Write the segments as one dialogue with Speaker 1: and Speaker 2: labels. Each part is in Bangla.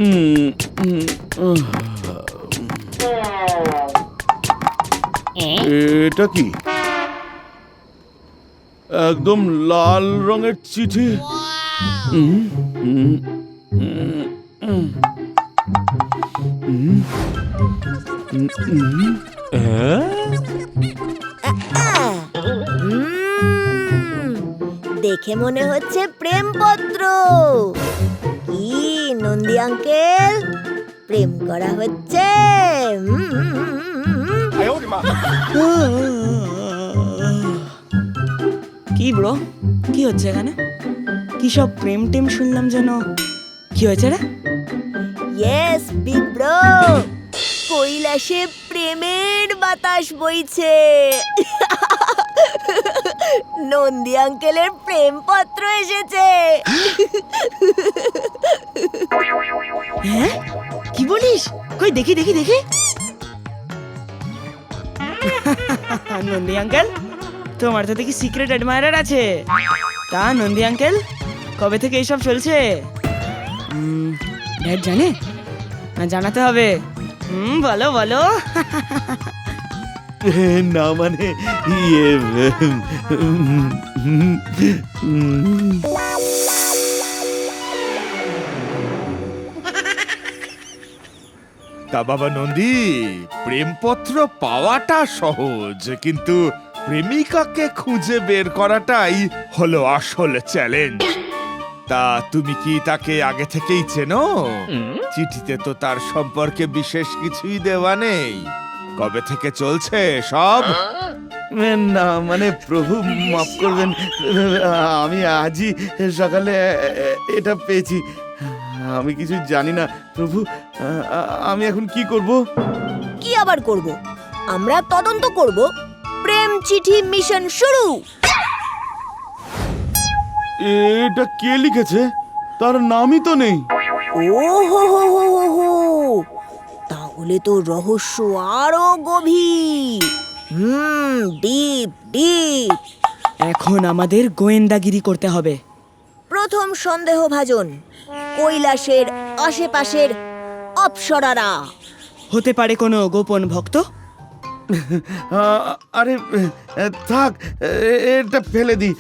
Speaker 1: এটা কি? একদম লাল রঙের চিঠি।
Speaker 2: দেখে মনে হচ্ছে প্রেমপত্র। কি নন্দী আঙ্কেল, প্রেম করা হচ্ছে?
Speaker 3: কি ব্রো, কি হচ্ছে এখানে? কি সব প্রেম টেম শুনলাম যেন। কি হয়েছে রে?
Speaker 2: ইয়েস বিগ ব্রো, কৈলাসে প্রেমের বাতাস বইছে। নন্দী আঙ্কেলের প্রেমপত্র এসেছে।
Speaker 3: হ্যাঁ, কি বলিস? কই দেখি দেখি দেখি। নন্দী আঙ্কেল, তোমার তো দেখি সিক্রেট অ্যাডমায়ারার আছে। তা নন্দী আঙ্কেল, কবে থেকে এইসব চলছে? ড্যাড জানে? না জানাতে হবে। বলো বলো।
Speaker 1: না মানে ইয়ে,
Speaker 4: তা বাবা নন্দী, প্রেমপত্র পাওয়াটা সহজ, কিন্তু প্রেমিকাকে খুঁজে বের করাটাই হলো আসল চ্যালেঞ্জ। তা তুমি কি তাকে আগে থেকেই চেনো? চিঠিতে তো তার সম্পর্কে বিশেষ কিছুই দেওয়া নেই। কবে থেকে চলছে সব?
Speaker 1: না মানে প্রভু মাফ করবেন, আমি আজই সকালে এটা পেয়েছি। আমি কিছু জানি না প্রভু, আমি এখন কি করব?
Speaker 2: কি আবার করব? আমরা তদন্ত করব। প্রেম চিঠি মিশন শুরু।
Speaker 1: এটা কে লিখেছে? তার নামই তো নেই।
Speaker 2: ও হো হো হো হো হো, তাহলে তো রহস্য আরো গভীর। Deep deep.
Speaker 3: এখন আমাদের গোয়েন্দাগিরি করতে হবে।
Speaker 2: প্রথম সন্দেহভাজন, কৈলাসের আশেপাশের অপ্সরারা।
Speaker 3: হতে পারে কোনো গোপন ভক্ত।
Speaker 1: আরে থাক, এটা ফেলে দি।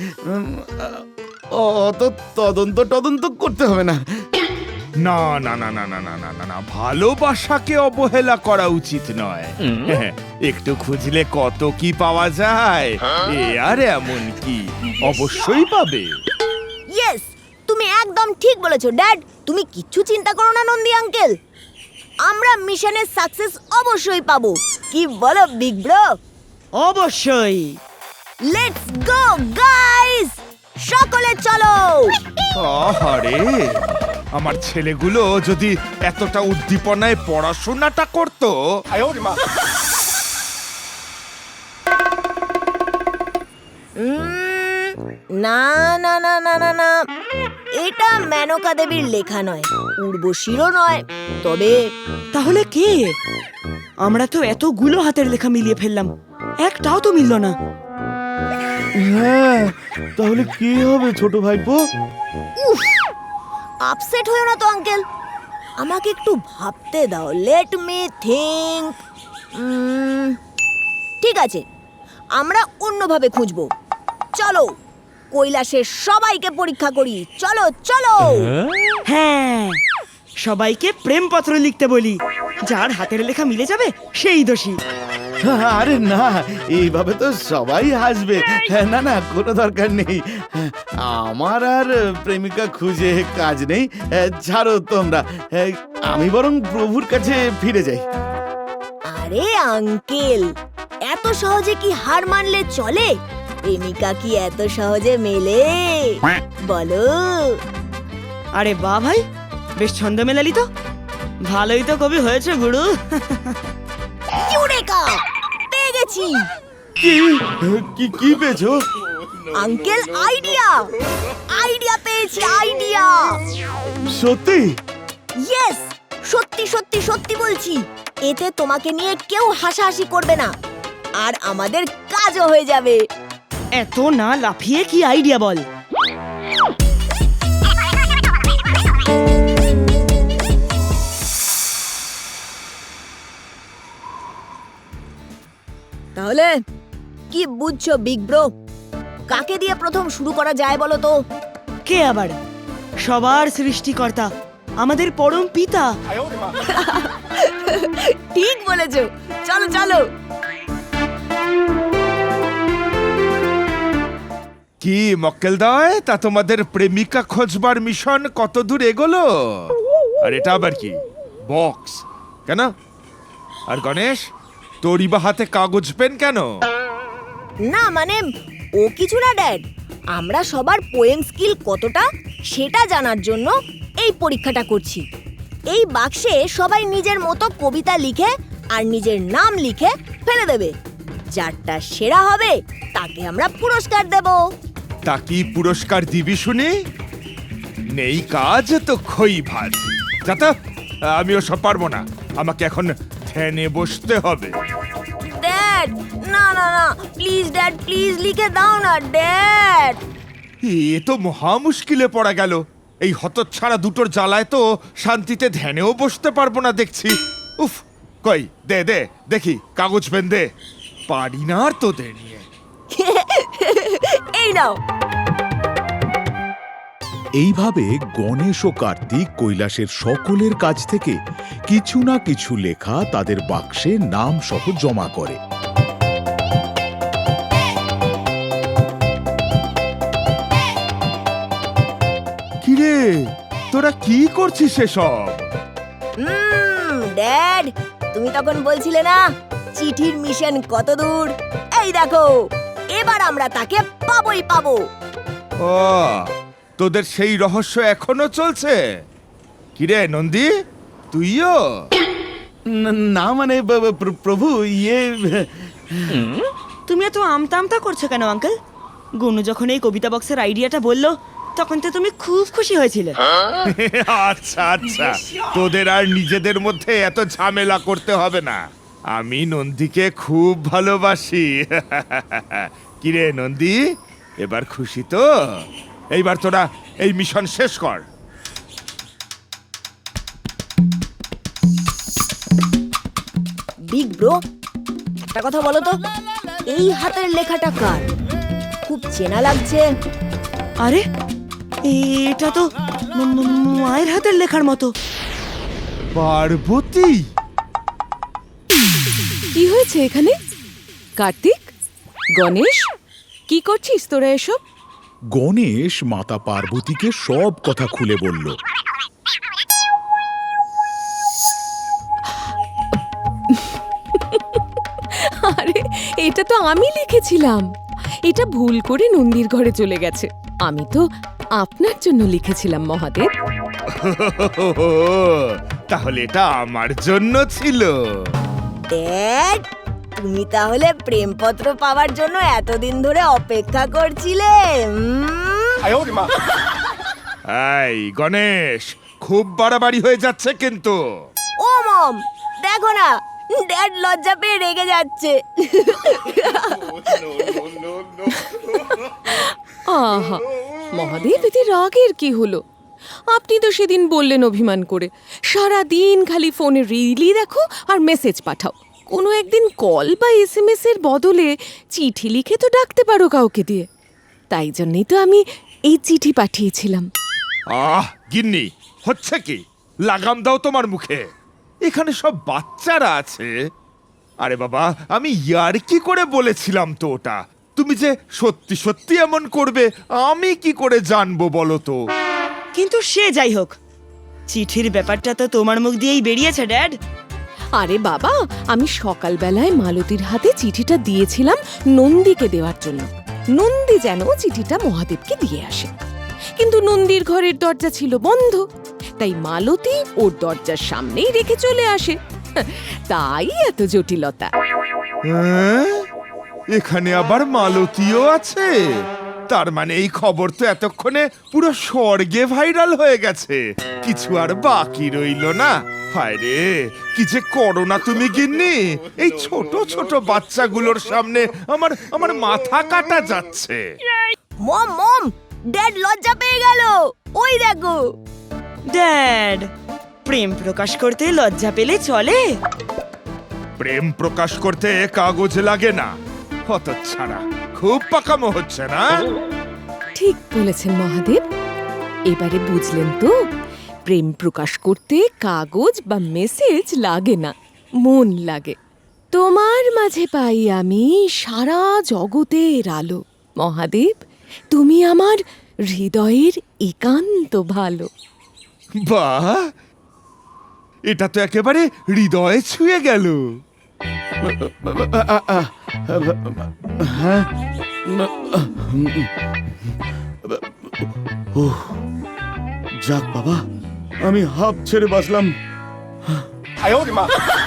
Speaker 1: অত তদন্ত করতে হবে না।
Speaker 4: না না না না না না না না না, ভালোবাসাকে অবহেলা করা উচিত নয়। একটু খুঁজলে কত কি পাওয়া যায়। এ আর এমন কি, অবশ্যই পাবে।
Speaker 2: ইয়েস, তুমি একদম ঠিক বলেছো ড্যাড। তুমি কিচ্ছু চিন্তা করো না নন্দী আঙ্কেল, আমরা মিশনের সাকসেস অবশ্যই পাবো। কি বলো বিগ ব্রো?
Speaker 3: অবশ্যই।
Speaker 2: লেটস গো গাইস, সকলে চলো।
Speaker 4: আরে আমার ছেলেগুলো যদি এতটা উদ্দীপনায় পড়াশোনাটা করতো।
Speaker 2: না না না না না না, এটা মেনকা দেবীর লেখা নয়, উর্বশীরও নয়। তবে
Speaker 3: তাহলে কে? আমরা তো এতগুলো হাতের লেখা মিলিয়ে ফেললাম, একটাও তো মিলল না।
Speaker 1: হ্যাঁ, তাহলে কি হবে ছোট ভাইপো?
Speaker 2: আপসেট হয়েও না তো আঙ্কেল, আমাকে একটু ভাবতে দাও। Let me think. ঠিক আছে, আমরা অন্যভাবে খুঁজবো। চলো কৈলাসের সবাইকে পরীক্ষা করি। চলো চলো।
Speaker 3: হ্যাঁ, সবাইকে প্রেমপত্র লিখতে বলি। যার হাতের লেখা মিলে যাবে সেই দোষী।
Speaker 1: আরে না, এইভাবে তো সবাই হাসবে। না না, কোনো দরকার নেই। আমার আর প্রেমিকা খুঁজে কাজ নেই। ছাড়ো তোমরা, আমি বরং প্রভুর কাছে ফিরে যাই।
Speaker 2: আরে আঙ্কেল, এত সহজে কি হার মানলে চলে? প্রেমিকা কি এত সহজে মেলে বলো?
Speaker 3: আরে বাহ ভাই, বেশ ছন্দ মেলালি তো। ভালোই তো কবি হয়েছে গুরু।
Speaker 2: ইউরেকা, পেয়ে গেছি।
Speaker 1: কি পেয়েছো?
Speaker 2: আঙ্কেল, আইডিয়া পেয়েছি, আইডিয়া।
Speaker 1: সত্যি?
Speaker 2: ইয়েস, সত্যি সত্যি সত্যি বলছি। এতে তোমাকে নিয়ে কেউ হাসাহাসি করবে না, আর আমাদের কাজও হয়ে যাবে।
Speaker 3: এত না লাফিয়ে কি আইডিয়া বল।
Speaker 2: তাহলে কি বুঝছো বিগ ব্রো? কাকে দিয়ে প্রথম শুরু করা যায় বলো তো?
Speaker 3: কে আবার? সবার সৃষ্টিকর্তা, আমাদের পরম পিতা।
Speaker 2: ঠিক বলেছো, চলো চলো।
Speaker 4: কি মক্কেলদয়, তা তোমাদের প্রেমিকা খোঁজবার মিশন কত দূর এগোলো? আর এটা আবার কি বক্স কেন? আর গণেশ, তোরই বা হাতে কাগজ পেন কেন?
Speaker 2: না মানে ও কিছু না ড্যাড, আমরা সবার পোয়েম স্কিল কতটা সেটা জানার জন্য এই পরীক্ষাটা করছি। এই বাক্সে সবাই নিজের মতো কবিতা লিখে আর নিজের নাম লিখে ফেলে দেবে। যারটা সেরা হবে তাকে আমরা পুরস্কার দেব।
Speaker 4: তা কি পুরস্কার দিবি শুনি? নেই কাজ তো খই ভাজ। যাতা, আমি ওসব পারবো না, আমাকে এখন ধ্যানে বসতে হবে।
Speaker 2: ড্যাড না না না, প্লিজ ড্যাড, প্লিজ লিখে দাও না ড্যাড।
Speaker 4: এ তো মহা মুশকিলে পড়া গেল। এই হতচ্ছাড়া দুটোর জ্বালায় তো শান্তিতে ধ্যানেও বসতে পারবো না দেখছি। উফ, কই দে দে দেখি কাগজ পেন দে। পারি না আর তোদের নিয়ে।
Speaker 2: এই নাও।
Speaker 5: এইভাবে গণেশ ও কার্তিক কৈলাসের সকলের কাছ থেকে কিছু না কিছু লেখা তাদের বাক্সে নাম সহ জমা করে।
Speaker 4: কিরে, তোরা কি করছিস এসব?
Speaker 2: ড্যাড, তুমি তখন বলছিলে না চিঠির মিশন কত দূর? এই দেখো, এবার আমরা তাকে পাবোই পাবো।
Speaker 4: ও, তোদের সেই রহস্য এখনো চলছে? কিরে নন্দী, তুইও?
Speaker 1: না মানে প্রভু, ইয়ে
Speaker 3: তুমি এত আমতা আমতা করছো কেন আঙ্কেল? গুনু যখন এই কবিতা বক্সের আইডিয়াটা বললো তখন তো তুমি খুব খুশি হয়েছিলে।
Speaker 4: আচ্ছা আচ্ছা, তোদের আর নিজেদের মধ্যে এত ঝামেলা করতে হবে না। আমি নন্দীকে খুব ভালোবাসি। কিরে নন্দী, এবার খুশি তো? এইবার তোরা এই মিশন শেষ কর।
Speaker 2: বিগ ব্রো, একটা কথা বলো তো, এই হাতের লেখাটা কার? খুব চেনা লাগছে।
Speaker 3: আরে এটা তো মায়ের হাতের লেখার মতো।
Speaker 4: পার্বতী?
Speaker 6: কি হয়েছে এখানে? কার্তিক, গণেশ, কি করছিস তোরা এসব?
Speaker 5: গণেশ মাতা পার্বতীকে সব কথা খুলে বলল।
Speaker 6: আরে এটা তো আমি লিখেছিলাম। এটা ভুল করে নন্দীর ঘরে চলে গেছে। আমি তো আপনার জন্য লিখেছিলাম মহাদেব।
Speaker 4: তাহলে এটা আমার জন্য ছিল।
Speaker 2: ড্যাড, তুমি তাহলে প্রেমপত্র পাওয়ার জন্য এতদিন ধরে অপেক্ষা করছিলে?
Speaker 4: এই গণেশ, খুব বাড়াবাড়ি হয়ে যাচ্ছে কিন্তু।
Speaker 2: ও মম, দেখো না, ড্যাড লজ্জা পেয়ে রেগে যাচ্ছে।
Speaker 6: আহা মহাদেব, এতে রাগের কি হলো? আপনি তো সেদিন বললেন অভিমান করে সারা দিন খালি ফোনে রিলই দেখো আর মেসেজ পাঠাও। কোনো একদিন কল বা SMS এর বদলে চিঠি লিখে তো ডাকতে পারো কাউকে দিয়ে। তাই জন্যই তো আমি এই চিঠি পাঠিয়েছিলাম।
Speaker 4: আহ গিন্নি, হচ্ছে কি? লাগাম দাও তোমার মুখে। এখানে সব বাচ্চারা আছে। আরে বাবা, আমি ইয়ার্কি করে বলেছিলাম তো ওটা। তুমি যে সত্যি সত্যি এমন করবে আমি কি করে জানবো বলো তো?
Speaker 3: কিন্তু সে যাই হোক, চিঠির ব্যাপারটা তো তোমার মুখ দিয়েই বেরিয়েছে ড্যাড।
Speaker 6: আরে বাবা, আমি সকালবেলায় মালতীর হাতে চিঠিটা দিয়েছিলাম নন্দীকে দেওয়ার জন্য। নন্দী যেন চিঠিটা মহাদেবকে দিয়ে আসে, কিন্তু নন্দীর ঘরের দরজা ছিল বন্ধ। তাই মালতী ওর দরজার সামনেই রেখে চলে আসে। তাই এত জটিলতা।
Speaker 4: হ্যাঁ? এখানে আবার মালতীও আছে? তার মানে এই খবর তো এতক্ষণে পুরো স্বর্গে ভাইরাল হয়ে গেছে। কিছু আর বাকি রইল না। হায় রে, কি যে করো না তুমি গিন্নি। এই ছোট ছোট বাচ্চাগুলোর সামনে আমার মাথা কাটা যাচ্ছে।
Speaker 2: মম মম, ড্যাড লজ্জা পেয়ে গেল। ওই দেখো।
Speaker 3: ড্যাড, প্রেম প্রকাশ করতে লজ্জা পেলে চলে?
Speaker 4: প্রেম প্রকাশ করতে কাগজ লাগে না। হত ছাড়া, খুব পাকামো হচ্ছে না?
Speaker 6: ঠিক বলেছেন মহাদেব। এবারে বুঝলেন তো, প্রেম প্রকাশ করতে কাগজ বা মেসেজ লাগে না, মন লাগে। তোমার মাঝে পাই আমি সারা জগতের আলো। মহাদেব, তুমি আমার হৃদয়ের একান্ত ভালো।
Speaker 4: বাহ, এটা তো একেবারে হৃদয়ে ছুঁয়ে গেল।
Speaker 1: হ্যাঁ, যাক বাবা, আমি হাঁপ ছেড়ে বাঁচলাম।